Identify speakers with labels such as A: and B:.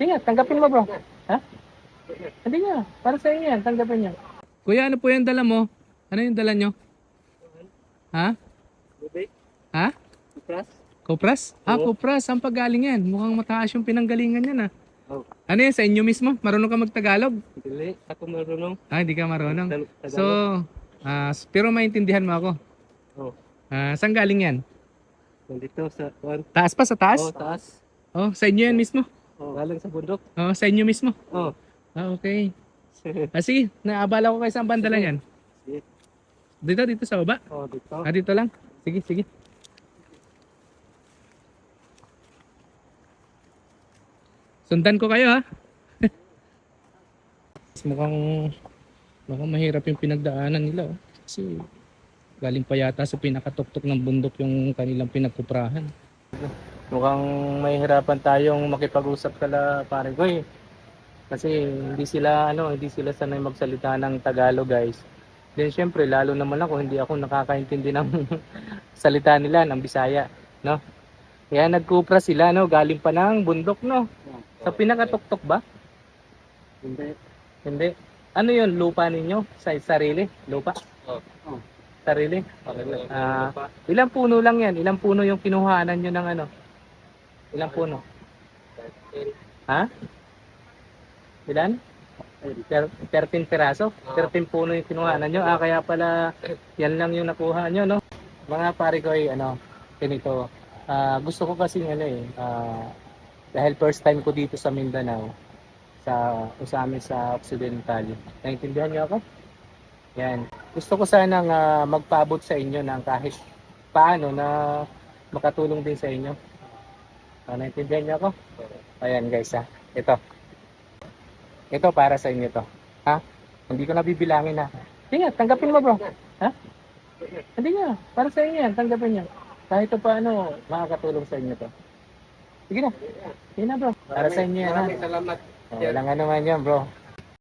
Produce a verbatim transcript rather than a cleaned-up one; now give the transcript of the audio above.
A: Hindi nga, tanggapin mo bro. Ha? Hindi nga, para sa inyo yan, tanggapin niyo. Kuya, ano po yung dala mo? Ano yung dala nyo? Ha?
B: Bubay?
A: Ha?
B: Supras?
A: Kopras? Ah,
B: Oo.
A: kopras. Saan pagaling yan? Mukhang mataas yung pinanggalingan yan ah.
B: Oh.
A: Ano yan, sa inyo mismo? Marunong ka magtagalog?
B: Dili. Ako marunong.
A: Ah, hindi ka marunong.
B: Tal-
A: So,
B: Tagalog.
A: ah, pero maintindihan mo ako.
B: Oh.
A: Ah, saan galing yan?
B: Nandito sa kuan.
A: Taas pa sa taas?
B: Oh, taas.
A: Oh, sa inyo yan mismo?
B: Oh, galing sa bundok.
A: Oh, sa inyo mismo?
B: Oh.
A: Ah, okay. Ah, sige, naabala ko kayo saan banda lang yan.
B: Sige.
A: Dito, dito sa baba?
B: Oh, dito.
A: Ah, dito lang? Sige, sige. Sundan ko kayo ha. mukhang mukhang mahirap yung pinagdaanan nila oh. Kasi galing pa yata sa pinakatuktok ng bundok yung kanilang pinagkuprahan. Mukhang mahihirapan tayong makipag-usap kala pare ko eh. Kasi hindi sila ano, hindi sila sanay magsalita ng Tagalog, guys. Then syempre lalo naman ako hindi ako nakakaintindi ng salita nila ng Bisaya, no? Kaya nagkupra sila no, galing pa ng bundok no. Sa pinakatuktok ba?
B: Hindi.
A: Hindi. Ano 'yon, lupa ninyo? Sa sarili? Lupa?
B: Oh. Oh.
A: Sarili? Ah, ilang puno lang 'yan? Ilang puno yung kinuhanan niyo ng ano? Ilang puno? Ha? Ilan? thirteen piraso? thirteen puno yung kinuhanan nyo. Ah, kaya pala yan lang yung nakuha nyo, no? Mga pare ko ay ano, ganito. Ah, gusto ko kasi ano eh, ah, dahil first time ko dito sa Mindanao, sa sa amin sa Occidental. Naintindihan niyo ako? Yan. Gusto ko sanang ah, magpaabot sa inyo ng kahit paano na makatulong din sa inyo. Ah, naintindihan niyo ako? Ayan guys ha. Ito. Ito para sa inyo to. Ha? Hindi ko na bibilangin ha. Hindi nga, tanggapin mo bro. Ha? Hindi nga, para sa inyo yan, tanggapin niyo. Kahit pa paano, makakatulong sa inyo to. Sige na. Sige na bro. Para sa inyo yan ha.
B: Maraming salamat.
A: Oh, walang ano man yan bro.